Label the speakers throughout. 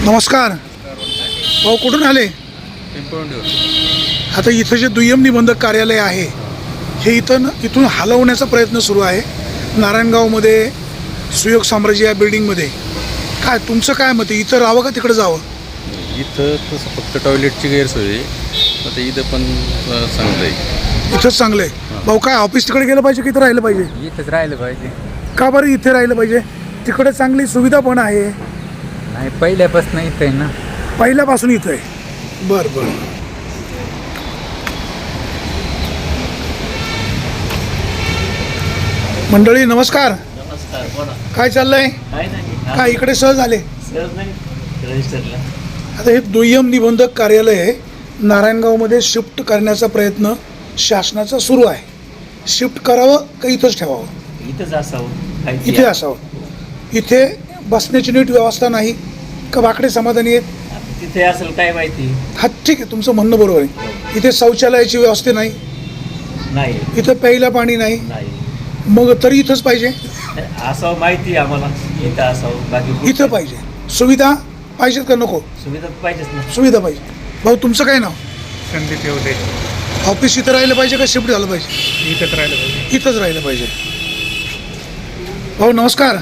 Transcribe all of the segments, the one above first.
Speaker 1: नमस्कार भाऊ, कुठून आले? आता इथं जे दुय्यम निबंधक कार्यालय आहे हे इथून हलवण्याचा प्रयत्न सुरू आहे नारायणगावमध्ये सुयोग साम्राज्य या बिल्डिंगमध्ये. काय तुमचं काय मत आहे, इथं राहावं का तिकडे जावं?
Speaker 2: इथं तसं फक्त टॉयलेटची गैरसोय आहे, आता इथं पण चांगलं आहे.
Speaker 1: इथंच चांगलं आहे. भाऊ काय ऑफिस तिकडे गेलं पाहिजे की इथं राहिलं पाहिजे?
Speaker 3: इथंच राहिलं पाहिजे.
Speaker 1: का बरं इथे राहिलं पाहिजे? तिकडे चांगली सुविधा पण आहे.
Speaker 3: नाही, पहिल्यापासून इथं आहे ना.
Speaker 1: पहिल्यापासून इथं आहे. बरं बरं. मंडळी नमस्कार.
Speaker 4: नमस्कार, बोला.
Speaker 1: काय चाललंय?
Speaker 4: काय नाही,
Speaker 1: काय इकडे सहज आले?
Speaker 4: सहज नाही रजिस्टरला.
Speaker 1: आता हे दुय्यम निबंधक कार्यालय नारायणगावमध्ये शिफ्ट करण्याचा प्रयत्न शासनाचा सुरू आहे. शिफ्ट करावं का इथंच ठेवावं?
Speaker 4: इथंच असावं.
Speaker 1: इथे असावं. इथे बसण्याची नीट व्यवस्था नाही का वाकडे समाधानी आहेत?
Speaker 4: तिथे असेल काय माहिती.
Speaker 1: हा ठीक आहे, तुमचं म्हणणं बरोबर आहे. इथे शौचालयाची व्यवस्था नाही,
Speaker 4: नाही
Speaker 1: इथं प्यायला पाणी नाही,
Speaker 4: नाही
Speaker 1: मग तरी इथंच पाहिजे.
Speaker 4: असावं माहिती आम्हाला. इथं असावं, बाकी
Speaker 1: इथं पाहिजे. सुविधा पाहिजेत का नको?
Speaker 4: सुविधा पाहिजेच ना.
Speaker 1: सुविधा पाहिजे. भाऊ तुमचं काय नाव?
Speaker 5: संदीप येवले.
Speaker 1: ऑफिस इथं राहिलं पाहिजे का शिफ्ट झालं पाहिजे?
Speaker 5: इथंच राहिलं पाहिजे.
Speaker 1: इथंच राहिलं पाहिजे. भाऊ नमस्कार.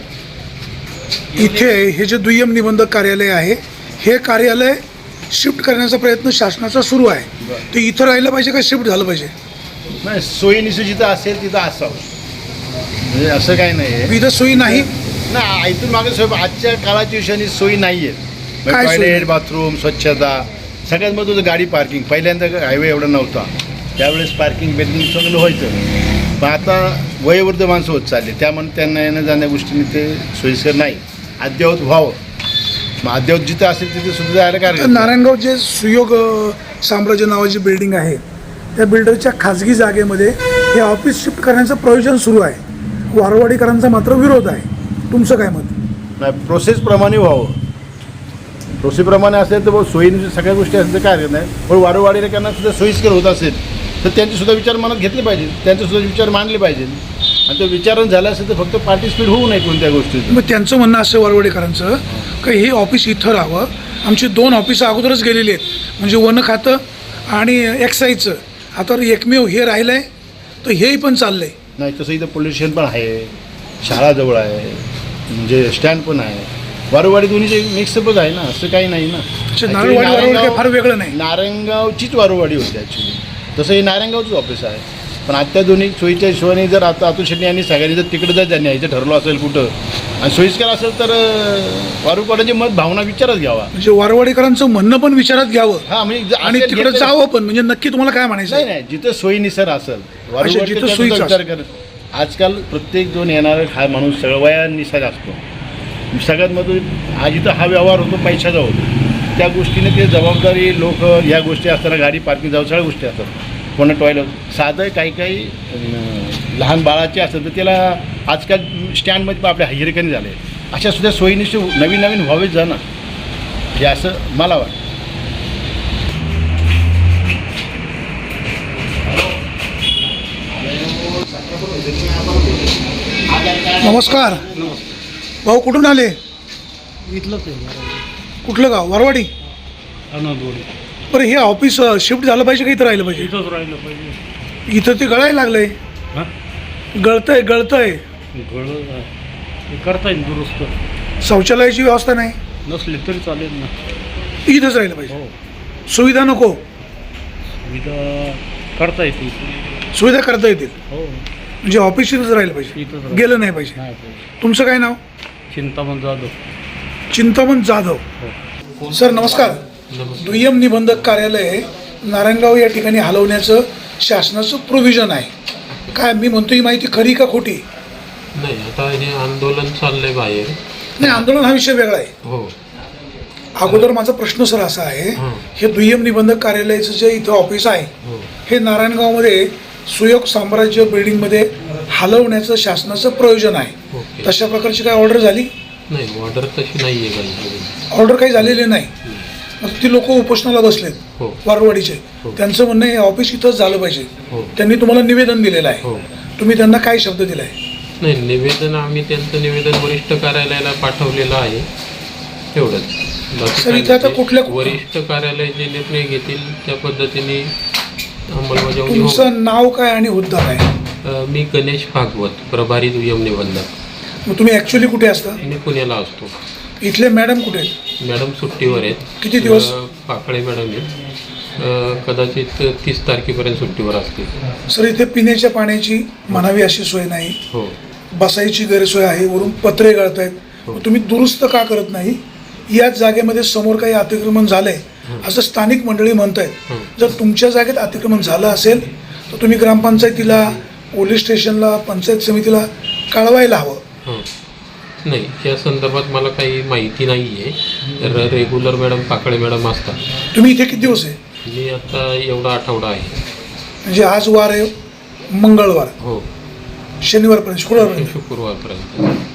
Speaker 1: इथे हे जे दुय्यम निबंधक कार्यालय आहे हे कार्यालय शिफ्ट करण्याचा प्रयत्न शासनाचा सुरू आहे. ते इथं राहिलं पाहिजे का शिफ्ट झालं पाहिजे?
Speaker 6: नाही, सोयीनिशी जिथं असेल तिथं असावं, म्हणजे असं काही नाही आहे
Speaker 1: इथं सोयी नाही
Speaker 6: ना. इथून मागे सोय आजच्या काळाच्या विषयाने सोयी नाही आहेत.
Speaker 1: काय सोयी
Speaker 6: टॉयलेट,
Speaker 1: नाही?
Speaker 6: बाथरूम, स्वच्छता, सगळ्यात महत्त्वाचं गाडी पार्किंग. पहिल्यांदा हायवे एवढा नव्हता, त्यावेळेस पार्किंग बिल्डिंग चांगलं व्हायचं. पण आता वयोवृद्ध माणसं होत चालले, त्यामुळे त्यांना येणं जाण्या गोष्टीने ते सोयीस्कर नाही. अद्ययावत व्हावं, मग अद्ययावत जिथं असेल तिथे सुद्धा जायला
Speaker 1: तर
Speaker 6: काय.
Speaker 1: नारायणगाव जे सुयोग साम्राज्य नावाची बिल्डिंग आहे त्या बिल्डरच्या खाजगी जागेमध्ये हे ऑफिस शिफ्ट करण्याचं प्रयोजन सुरू आहे. वारवाडीकरांचा मात्र विरोध आहे. तुमचं काय मत?
Speaker 6: नाही, प्रोसेसप्रमाणे व्हावं. प्रोसेसप्रमाणे असेल तर सोयीने सगळ्या गोष्टी असेल तर काय हरकत नाही. पण वारंवारीकरांना सुद्धा सोयीस्कर होत असेल तर त्यांचे सुद्धा विचार मनात घेतले पाहिजे, त्यांचे सुद्धा विचार मांडले पाहिजे. आणि तो विचारण झाला असेल तर फक्त पार्टिसिपेट होऊ नये कोणत्या गोष्टीत.
Speaker 1: मग त्यांचं म्हणणं असं वारवाडीकरांचं की हे ऑफिस इथं राहावं. आमची 2 ऑफिसं अगोदरच गेलेली आहेत, म्हणजे वन खातं आणि एक्साईजचं. आता एकमेव हे राहिलं आहे तर हेही पण चाललं आहे.
Speaker 6: नाही, तसं इथं पोलीस स्टेशन पण आहे, शाळा जवळ आहे, म्हणजे स्टँड पण आहे. वारंवाडी दोन्हीचे मिक्सअपच आहे ना, असं काही नाही ना.
Speaker 1: नारळवाडी वारवाडी काही फार वेगळं नाही.
Speaker 6: नारायणगावचीच वारंवाडी होती ॲक्च्युली. तसं हे नारायणगावचंच ऑफिस आहे. पण आत्ता दोन्ही सोयीच्या हिशोबाने जर आता अतुल शेट्टी यांनी सगळ्यांनी जर तिकडे जर त्यांनी यायचं ठरलं असेल कुठं आणि सोयीस्कर असेल तर वारंवाडीची मत भावना विचारात घ्यावा.
Speaker 1: म्हणजे वारवाडीकरांचं म्हणणं पण विचारात घ्यावं
Speaker 6: हां, म्हणजे
Speaker 1: आणि तिकडे जावं पण. म्हणजे नक्की तुम्हाला काय म्हणायचं
Speaker 6: नाही
Speaker 1: आहे?
Speaker 6: नाही, जिथं सोयीनुसार असेल
Speaker 1: जिथं
Speaker 6: जिथं
Speaker 1: सोयीचं
Speaker 6: विचार कर. आजकाल प्रत्येक दोन येणारा हा माणूस सगळं वयानुसार असतो. सगळ्यात महत्त्वाचं हा जिथं हा व्यवहार होतो पैशाचा होतो, त्या गोष्टीने ते जबाबदारी लोक ह्या गोष्टी असताना गाडी पार्किंग जाऊ सगळ्या गोष्टी असतात. कोणा टॉयलेट साधं काही लहान बाळाचे असतात तर त्याला आजकाल स्टँडमध्ये पण आपल्या हिरकणी झाले. अशा सुद्धा सोयीनिशी नवीन नवीन व्हावेच जा ना, हे असं मला वाटतं.
Speaker 1: नमस्कार भाऊ, कुठून आले?
Speaker 5: इथलंच आहे.
Speaker 1: कुठलं गाव? वारवाडी.
Speaker 5: अनंतवाडी.
Speaker 1: बरं, हे ऑफिस शिफ्ट झालं पाहिजे का इथं राहिलं पाहिजे?
Speaker 5: इथंच राहिलं पाहिजे.
Speaker 1: इथं ते गळायला लागलंय.
Speaker 5: हां,
Speaker 1: गळतंय
Speaker 5: गळं हे करता येईल दुरुस्त.
Speaker 1: शौचालयाची व्यवस्था नाही,
Speaker 5: नसले तरी चालेल ना.
Speaker 1: इथंच राहिलं पाहिजे.
Speaker 5: हो,
Speaker 1: सुविधा नको?
Speaker 5: सुविधा करता येते.
Speaker 1: सुविधा करता येतील
Speaker 5: हो,
Speaker 1: म्हणजे ऑफिस इथंच राहिलं पाहिजे,
Speaker 5: इथंच राहिलं.
Speaker 1: गेलं नाही पाहिजे.
Speaker 5: नाही पाहिजे.
Speaker 1: तुमचं काय नाव?
Speaker 5: चिंतामण जाधव.
Speaker 1: चिंतामण जाधव. सर नमस्कार. दुय्यम निबंधक कार्यालय नारायणगाव या ठिकाणी हलवण्याचं शासनाचं प्रोव्हिजन आहे. काय मी म्हणतो ही माहिती खरी का खोटी?
Speaker 7: नाही, आता हे आंदोलन चाललंय बाहेर.
Speaker 1: नाही, आंदोलन हा विषय वेगळा आहे.
Speaker 7: हो,
Speaker 1: अगोदर माझा प्रश्न सर असा आहे,
Speaker 7: हां.
Speaker 1: हे दुय्यम निबंधक कार्यालयाचं जे इथं ऑफिस आहे
Speaker 7: हो.
Speaker 1: हे नारायणगावमध्ये सुयोग साम्राज्य बिल्डिंगमध्ये हलवण्याचं शासनाचं प्रयोजन आहे.
Speaker 7: ओके.
Speaker 1: तशा प्रकारची काय ऑर्डर झाली?
Speaker 7: नाही, ऑर्डर तशी नाही आहे काही.
Speaker 1: ऑर्डर काही झालेली नाही. मग ती लोक उपोषणाला बसलेत
Speaker 7: हो.
Speaker 1: वारवाडीचे.
Speaker 7: हो.
Speaker 1: त्यांचं म्हणणं हे ऑफिस इथंच झालं पाहिजे.
Speaker 7: हो.
Speaker 1: त्यांनी तुम्हाला निवेदन दिलेलं आहे.
Speaker 7: हो.
Speaker 1: तुम्ही त्यांना काय शब्द दिला आहे?
Speaker 7: नाही, निवेदन आम्ही त्यांचं निवेदन वरिष्ठ कार्यालयाला पाठवलेलं आहे, तेवढंच. बाकी
Speaker 1: सर,
Speaker 7: काही
Speaker 1: इथं आता
Speaker 7: नाही.
Speaker 1: कुठल्या-
Speaker 7: वरिष्ठ कार्यालय जे निर्णय घेतील त्या पद्धतीने अंमलबजावणी होईल.
Speaker 1: तुमचं नाव काय आणि हुद्दा काय?
Speaker 7: मी गणेश भागवत, प्रभारी दुय्यम निबंधक.
Speaker 1: मग तुम्ही ॲक्च्युली कुठे असता?
Speaker 7: मी पुण्याला असतो.
Speaker 1: इथले मॅडम कुठे आहेत?
Speaker 7: मॅडम सुट्टीवर आहेत.
Speaker 1: किती दिवस?
Speaker 7: पाकळे मॅडम आहेत. कदाचित 30 तारखेपर्यंत सुट्टीवर असतील.
Speaker 1: सर, इथे पिण्याच्या पाण्याची म्हणावी अशी सोय नाही,
Speaker 7: हो.
Speaker 1: बसायची गैरसोय आहे, वरून पत्रे गळत आहेत.
Speaker 7: हो.
Speaker 1: मग तुम्ही दुरुस्त का करत नाही? याच जागेमध्ये समोर काही अतिक्रमण झालंय असं स्थानिक मंडळी म्हणतायत. जर तुमच्या जागेत अतिक्रमण झालं असेल तर तुम्ही ग्रामपंचायतीला, पोलीस स्टेशनला, पंचायत समितीला कळवायला हवं.
Speaker 7: हं. नाही, या संदर्भात मला काही माहिती नाही आहे. रेग्युलर मॅडम पाकळे मॅडम असतात.
Speaker 1: तुम्ही इथे किती दिवस आहे?
Speaker 7: मी आता एवढा आठवडा आहे.
Speaker 1: म्हणजे आज वार आहे मंगळवार,
Speaker 7: हो,
Speaker 1: शनिवारपर्यंत, शुक्रवारपर्यंत.
Speaker 7: शुक्रवारपर्यंत.